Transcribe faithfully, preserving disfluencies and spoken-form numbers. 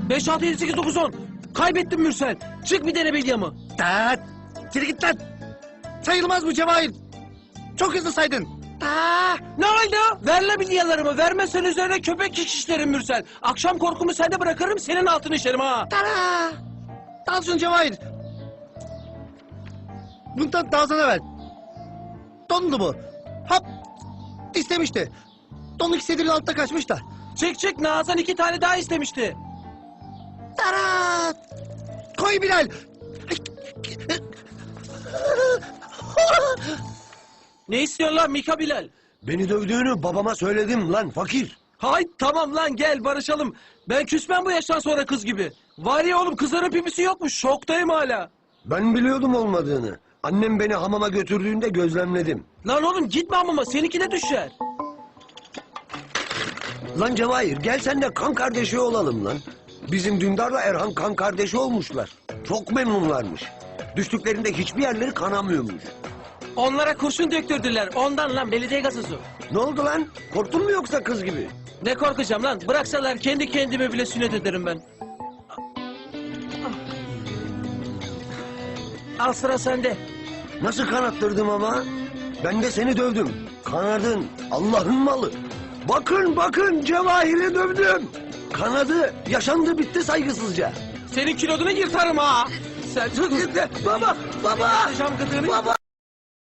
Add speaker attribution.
Speaker 1: Beş, altı, yedi, sekiz, dokuz, on. Kaybettim Mürsel. Çık bir dene Belyam'ı.
Speaker 2: Tat. Geri git lan. Sayılmaz bu Cevahir. Çok hızlı saydın.
Speaker 1: Aa, ne oldu? Ver la bilyalarımı. Vermezsen üzerine köpek şişlerim Mürsel. Akşam korkumu sende bırakırım, senin altını işerim ha.
Speaker 2: Tara. Al şunu Cevahir. Bundan daha sana ver. Dondu bu. Hop. İstemişti. Donluk istediğinin altta kaçmış da.
Speaker 1: Çık çık, Nazan iki tane daha istemişti.
Speaker 2: Tara. Koy Bilal.
Speaker 1: Ne istiyorsun lan Mika Bilal?
Speaker 3: Beni dövdüğünü babama söyledim lan fakir.
Speaker 1: Hay tamam lan, gel barışalım. Ben küsmem bu yaştan sonra kız gibi. Var ya oğlum, kızların pipisi yokmuş, şoktayım hala.
Speaker 3: Ben biliyordum olmadığını. Annem beni hamama götürdüğünde gözlemledim.
Speaker 1: Lan oğlum gitme amama, seninki de düşer.
Speaker 3: Lan Cevahir gel sen de kan kardeşi olalım lan. Bizim Dündar'la Erhan kan kardeşi olmuşlar. Çok memnunlarmış. Düştüklerinde hiçbir yerleri kanamıyormuş.
Speaker 1: Onlara kurşun döktürdüler, ondan lan, belediye gazozu.
Speaker 3: Ne oldu lan? Korktun mu yoksa kız gibi?
Speaker 1: Ne korkacağım lan, bıraksalar kendi kendime bile sünnet ederim ben. Al, sıra sende.
Speaker 3: Nasıl kanattırdım ama? Ben de seni dövdüm. Kanadın, Allah'ın malı. Bakın bakın Cevahir'i dövdüm. Kanadı, yaşandı bitti saygısızca.
Speaker 1: Senin kilodunu yırtarım ha. Sen
Speaker 3: Baba, baba,
Speaker 1: Cam gıdığını...
Speaker 3: baba.